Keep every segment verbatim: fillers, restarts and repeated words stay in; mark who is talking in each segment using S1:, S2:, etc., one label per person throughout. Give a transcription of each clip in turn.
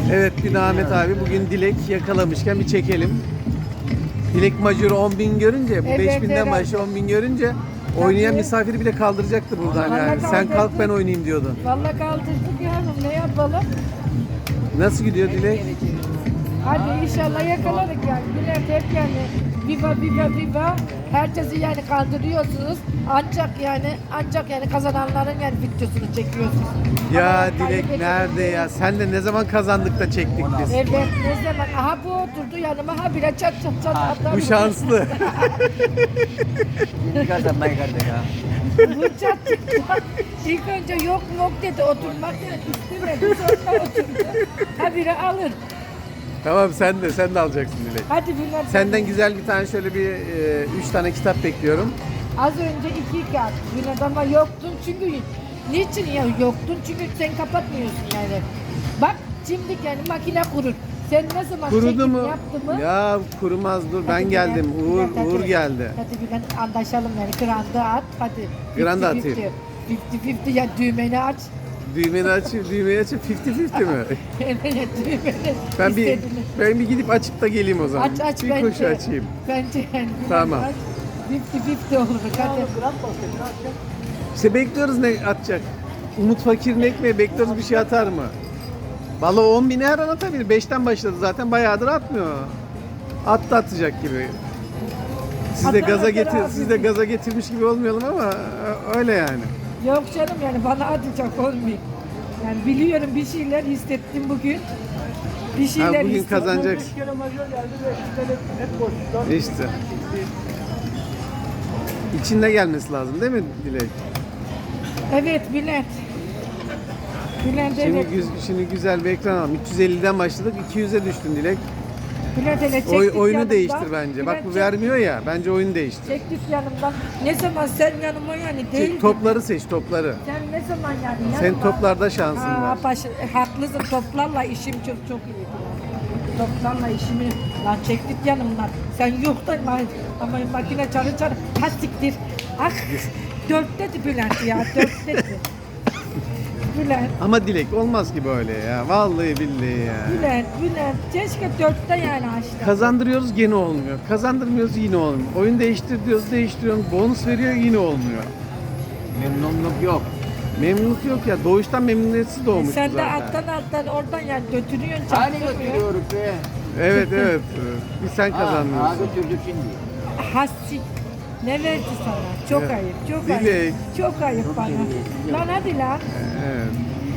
S1: Evet bir de Ahmet abi bugün Dilek yakalamışken bir çekelim. Dilek majörü on bin görünce, bu
S2: Evet,
S1: beş binden
S2: evet.
S1: başı on bin görünce oynayan
S2: Tabii.
S1: misafiri bile kaldıracaktı buradan
S2: Vallahi
S1: yani. Sen kalk
S2: kaldırdık.
S1: ben oynayayım diyordun.
S2: Vallahi kaldırdık yavrum, ne yapalım?
S1: Nasıl gidiyor Dilek?
S2: Hadi inşallah yakalarız yani. Bülent hep yani viva viva viva. Herkesi yani kandırıyorsunuz. Ancak yani ancak yani kazananların yani videosunu çekiyorsunuz.
S1: Ya
S2: Ama
S1: Dilek
S2: kaybedecek-
S1: nerede ya? Sen de ne zaman kazandık da çektik biz?
S2: Evet ne zaman? Aha bu oturdu yanıma, ha bile çat çat çat atar.
S1: Bu şanslı.
S3: Şimdi kazanmayı kardeş ya.
S2: Bu çat çat. İlk önce yok yok dedi, oturmak istemedi, sonra oturdu. Ha biri alır.
S1: Tamam sen de sen de alacaksın Dilek.
S2: Hadi Bülent.
S1: Senden güzel bir tane şöyle bir e, üç tane kitap bekliyorum.
S2: Az önce iki kağıt Bülent ama yoktun çünkü niçin ya yoktun? Çünkü sen kapatmıyorsun yani. Bak şimdi yani makine kurur. Sen ne zaman
S1: Kurudu
S2: çekim
S1: mu?
S2: yaptı mı?
S1: Ya kurumaz dur ben
S2: Hadi
S1: geldim.
S2: Bülent,
S1: Uğur
S2: Bülent, hadi.
S1: Uğur geldi.
S2: Hadi Bülent anlaşalım yani. Granda at hadi.
S1: Granda
S2: Fifty
S1: atayım.
S2: fifty. Fifty fifty ya düğmeni aç.
S1: Düğmeni açayım, düğmeyi açayım. elli elli mi?
S2: Evet düğmeni.
S1: Ben bir
S2: istediğini.
S1: ben bir gidip açıp da geleyim o zaman.
S2: Aç aç
S1: bir
S2: bence.
S1: koşu açayım.
S2: Bence yani. Bülent
S1: Tamam.
S2: aç. Fifty fifty olur. Hadi.
S1: İşte bekliyoruz ne atacak. Umut Fakir'in ekmeği bekliyoruz bir şey atar mı? Vallahi on bini her an atabilir. beşten başladı zaten bayağıdır atmıyor. Attı atacak gibi. Siz de
S2: Atar,
S1: gaza
S2: atar
S1: getir,
S2: abi.
S1: siz de gaza getirmiş gibi olmayalım ama öyle yani.
S2: Yok canım yani bana atacak olmuyor. Yani biliyorum bir şeyler hissettim bugün. Bir şeyler
S1: Ha, bugün
S2: hissettim.
S1: kazanacaksın. İşte. İçinde gelmesi lazım değil mi Dilek?
S2: Evet Bülent. Bülent
S1: Şimdi,
S2: evet.
S1: güz, şimdi güzel bir ekran alalım. üç yüz elliden başladık, iki yüze düştün Dilek.
S2: Bülent hele çektik
S1: Oy, oyunu
S2: yanımdan.
S1: değiştir bence. Bak
S2: Bülent
S1: bu
S2: çek-
S1: vermiyor ya. Bence oyunu değiştir.
S2: Çektik yanımdan. Ne zaman sen yanıma yani değil.
S1: Çek, topları seç, topları.
S2: Sen ne zaman yani yanıma.
S1: Senin toplarda şansın
S2: Aa,
S1: var.
S2: baş, e, haklısın, toplarla işim çok çok iyi. Toplarla işimi lan çektik yanımdan. Sen yok da ama, ama makine çarı çarı. Ha siktir. Ah dört dedi Bülent ya, dört dedi. Bülent.
S1: Ama Dilek olmaz ki böyle ya. Vallahi billahi ya.
S2: Bülent, Bülent. Keşke dörtte yani açtı.
S1: Kazandırıyoruz gene olmuyor. Kazandırmıyoruz yine olmuyor. Oyun değiştir diyoruz değiştiriyoruz. Bonus veriyor yine olmuyor.
S3: Memnunluk yok.
S1: Memnunluk yok ya. Doğuştan memnuniyetsiz doğmuş
S2: Sen de
S1: zaten.
S2: alttan alttan oradan yani götürüyorsun,
S3: Hani
S2: çarptırmıyor.
S3: götürüyoruz be.
S1: Evet evet. Bir sen
S3: Ha, ha
S1: kazanmıyorsun.
S3: götürdük şimdi.
S2: Hassi. Ne verdi sana? Çok
S1: Ya,
S2: ayıp, çok
S1: Dilek.
S2: ayıp. Çok ayıp bana. Lan hadi lan.
S1: Evet.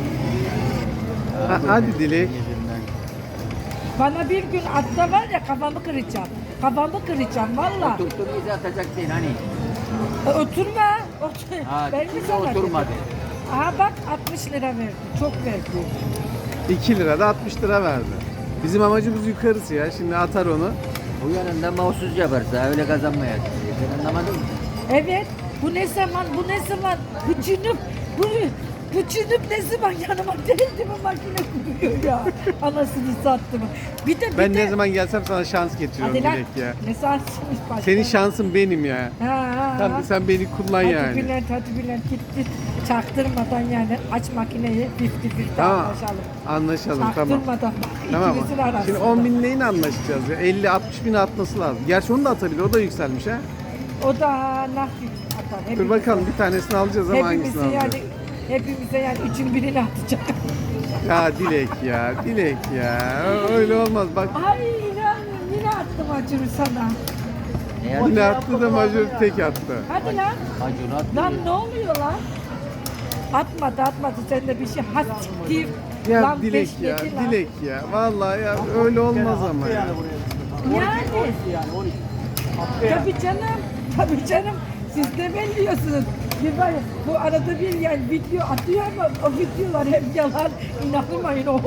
S1: Ha, hadi Dilek.
S2: Bana bir gün atta var ya kafamı kıracağım. Kafamı kıracağım valla.
S3: Oturttun bizi atacaksın hani.
S2: E, oturma. Otur.
S3: Ha,
S2: Ben mi
S3: kimse
S2: sana
S3: oturmadı.
S2: dedim? Aha bak altmış lira verdi. Çok verdi.
S1: iki lira da altmış lira verdi. Bizim amacımız yukarısı ya. Şimdi atar onu.
S3: Bu yanında mahsus yaparsa öyle kazanmayacak. Sen anlamadın mı?
S2: Evet. Bu ne zaman? Bu ne zaman? Bu cünüp. Bu bu cünüp ne zaman yanıma geldi mi makine kuruyor ya. Anasını sattı mı? Bir de bir
S1: Ben
S2: de.
S1: ne zaman gelsem sana şans getiriyorum
S2: Hadi lan.
S1: Dilek ya.
S2: Ne sansınız başka?
S1: Senin şansın benim ya.
S2: Ha, ha,
S1: Sen,
S2: ha.
S1: sen beni kullan
S2: Hadi
S1: yani.
S2: Bülent, hadi Bülent git git. Çaktırmadan yani aç makineyi fifty fifty
S1: Tamam.
S2: anlaşalım.
S1: Anlaşalım tamam.
S2: Çaktırmadan bak
S1: Tamam.
S2: ikimizin arasında.
S1: Şimdi on bin neyin anlaşacağız ya? elli altmış bin atması lazım. Gerçi onu da atabilir. O da yükselmiş ha.
S2: O da nakit atar.
S1: Dur
S2: Hepimize.
S1: bakalım bir tanesini alacağız ama hangisini
S2: Hepimize
S1: alacağız?
S2: yani hepimize yani üçün birini atacak.
S1: Ya Dilek ya. Dilek ya. Öyle olmaz. Bak
S2: Ay inanmıyorum yine attım acını sana.
S3: Ne
S1: yine
S3: yaptın?
S1: attı da majör tek attı.
S2: Hadi lan.
S3: Acun attı.
S2: Lan ne oluyor lan? Atmadı atmadı sen de bir şey hastiktir.
S1: Ya
S2: Lan
S1: Dilek
S2: beş
S1: ya.
S2: yedi lan.
S1: Dilek ya. Vallahi ya öyle olmaz ama ya.
S2: Yani. Tabii canım. Tabii canım. Siz de belliyorsunuz. Bir var ya, bu arada bir yani video atıyor ama o videolar hep yalan. İnanmayın o.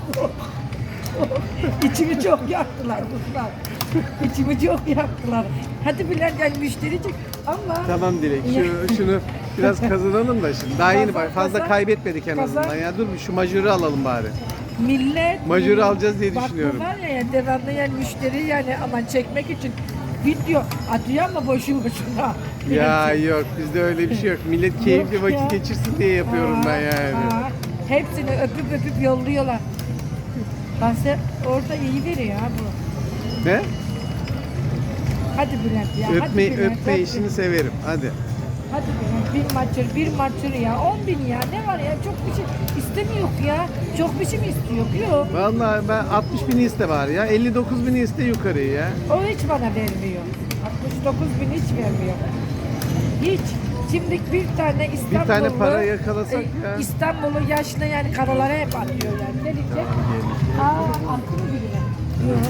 S2: İçimi çok yaktılar bunlar. İçimi çok yaktılar. Hadi Bülent yani müşteri çık ama
S1: Tamam Dilek. Şu, şunu biraz kazanalım da şimdi. Daha yeni bak. Fazla
S2: Kazan-
S1: kaybetmedik en
S2: kazan-
S1: azından. Ya dur bir şu majörü alalım bari.
S2: millet
S1: Majörü alacağız diye
S2: bak,
S1: düşünüyorum.
S2: Bak bu var ya yani devamlı yani müşteri yani aman çekmek için video atıyor ama boşu boşuna.
S1: Ya yok bizde öyle bir şey yok. Millet keyifli
S2: Yok ya.
S1: vakit geçirsin diye yapıyorum
S2: Aa,
S1: ben yani.
S2: aa. Hepsini öpüp öpüp yolluyorlar. Ben size orada iyi veriyor ha bu.
S1: Ne?
S2: Hadi Bülent ya. hadi
S1: Öpme,
S2: Bülent,
S1: öpme
S2: hadi.
S1: işini severim. Hadi.
S2: Hadi Bülent bir maçır bir maçır ya. on bin ya ne var ya çok bir şey istemiyor ya. Çok bir şey mi istiyor? Yok.
S1: Vallahi ben altmış bini iste bari ya. elli dokuz bini iste yukarıyı ya.
S2: O hiç bana vermiyor. altmış dokuz bin hiç vermiyor. Hiç. Şimdi bir tane İstanbullu...
S1: tane para yakalasak
S2: e,
S1: ya.
S2: İstanbul'u yaşlı yani karalara hep atıyor yani. Ne diyecek? Aa attı mı birine? Yok.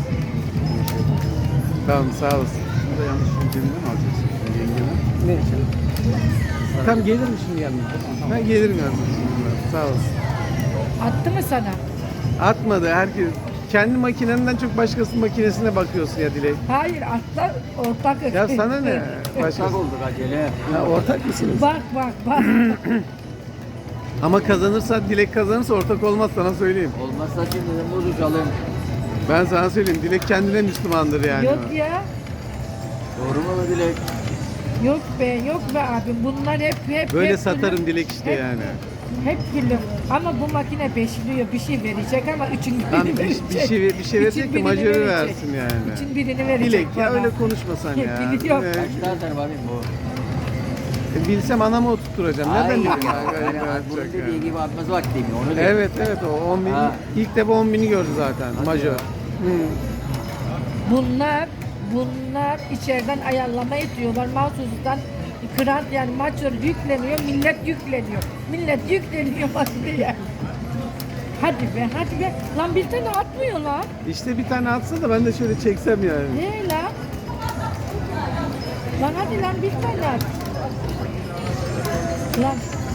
S1: Tamam sağ olasın.
S4: Burada yanlış yöntemini mi alacaksın? Yengemi.
S1: Ne için? Tam gelir mi şimdi yanına? Ben gelirim yanına. Sağ olasın.
S2: Attı mı sana?
S1: Atmadı herkes. Kendi makinenden çok başkasının makinesine bakıyorsun ya Dilek.
S2: Hayır atla ortak.
S1: Ya sana ne?
S3: Başak
S1: Başkası.
S3: olduk acele.
S1: Ha, ortak mısınız?
S2: Bak bak bak.
S1: Ama kazanırsa, Dilek kazanırsa ortak olmaz sana söyleyeyim.
S3: Olmazsa şimdi buluşalım.
S1: Ben sana söyleyeyim. Dilek kendine Müslümandır yani.
S2: Yok ya.
S3: Doğru mu bu Dilek?
S2: Yok be yok be abim. Bunlar hep hep
S1: Böyle
S2: hep
S1: satarım
S2: gülüm.
S1: Dilek işte
S2: Hep-
S1: yani.
S2: Hep gülüm. Ama bu makine beşliyor. Bir şey verecek ama üçün birini
S1: Lan bir,
S2: verecek.
S1: bir şey bir şey verecek
S2: Üçün
S1: de
S2: birini
S1: majörü
S2: verecek.
S1: versin yani.
S2: Üçün birini verecek
S1: Dilek ya
S2: bana.
S1: öyle konuşmasan ya.
S2: Biliyorum.
S1: Ee,
S3: Kaçta atar bakayım bu?
S1: e, bilsem anamı oturtturacağım. Nereden
S3: Ay,
S1: bileyim?
S3: ya,
S1: ya, öyle
S3: yani
S1: yapacak
S3: bunun
S1: ya.
S3: dediği gibi atması vakti mi? Onu diyor.
S1: Evet evet o on bin.
S3: Ha.
S1: İlk defa on bini gördü zaten
S3: Hadi
S1: majör.
S3: ya.
S1: Hı.
S2: Bunlar bunlar içeriden ayarlama ediyorlar. Mahsustan kırat yani maçör yükleniyor. Millet yükleniyor. Millet yükleniyor makineye. Hadi be hadi be. Lan bir tane atmıyor lan.
S1: İşte bir tane atsa da ben de şöyle çeksem yani.
S2: Ne lan? Lan hadi lan bir tane at. Lan.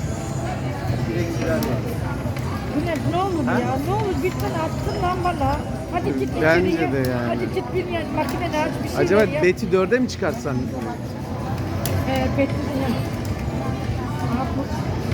S2: Bu ne, ne olur
S1: Ha?
S2: ya? Ne olur bir tane attın lan bana. Hadi git
S1: Bence
S2: içeriye.
S1: de yani.
S2: Hadi git bir yer makinede aç bir şey
S1: Acaba
S2: ver ya.
S1: Beti dörde mi çıkartsan?
S2: Ee, Betty'nin yanı. Aa, bu-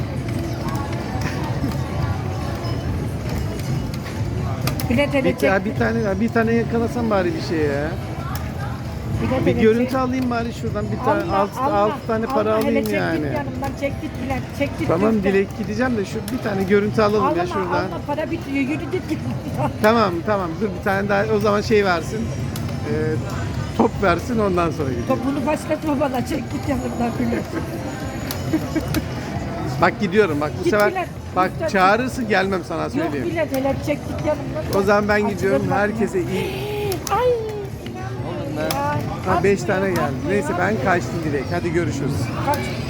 S2: Bilet
S1: Bir,
S2: edecek.
S1: ya bir tane bir tane yakalasan bari bir şey ya.
S2: bilet
S1: Bir
S2: edecek.
S1: görüntü alayım bari şuradan bir tane
S2: Allah,
S1: alt,
S2: Allah,
S1: alt tane para
S2: Allah, hele
S1: alayım
S2: çek
S1: yani.
S2: git yanımdan çek git bilet çek git.
S1: Tamam
S2: lütfen.
S1: Dilek gideceğim de şu bir tane görüntü alalım
S2: Alma,
S1: ya şuradan.
S2: alma para bitiyor yürü git git.
S1: Tamam tamam dur bir tane daha o zaman şey versin. Ee, top versin ondan sonra gidelim.
S2: Topunu başlatma bana çek git yanımdan bilet.
S1: Bak gidiyorum bak bu
S2: Git
S1: sefer
S2: Bilal,
S1: bak
S2: lütfen.
S1: çağırırsın gelmem sana
S2: Yok
S1: söyleyeyim.
S2: bilet hele çek git yanımdan.
S1: O zaman ben gidiyorum
S2: Açılır
S1: herkese
S2: bakma.
S1: iyi.
S2: Ay.
S3: Oğlum be.
S2: inanmıyorum.
S1: Ha beş
S2: Atmıyor,
S1: tane geldi.
S2: atmıyor.
S1: Neyse ben kaçtım Dilek. Hadi görüşürüz.
S2: Kaç.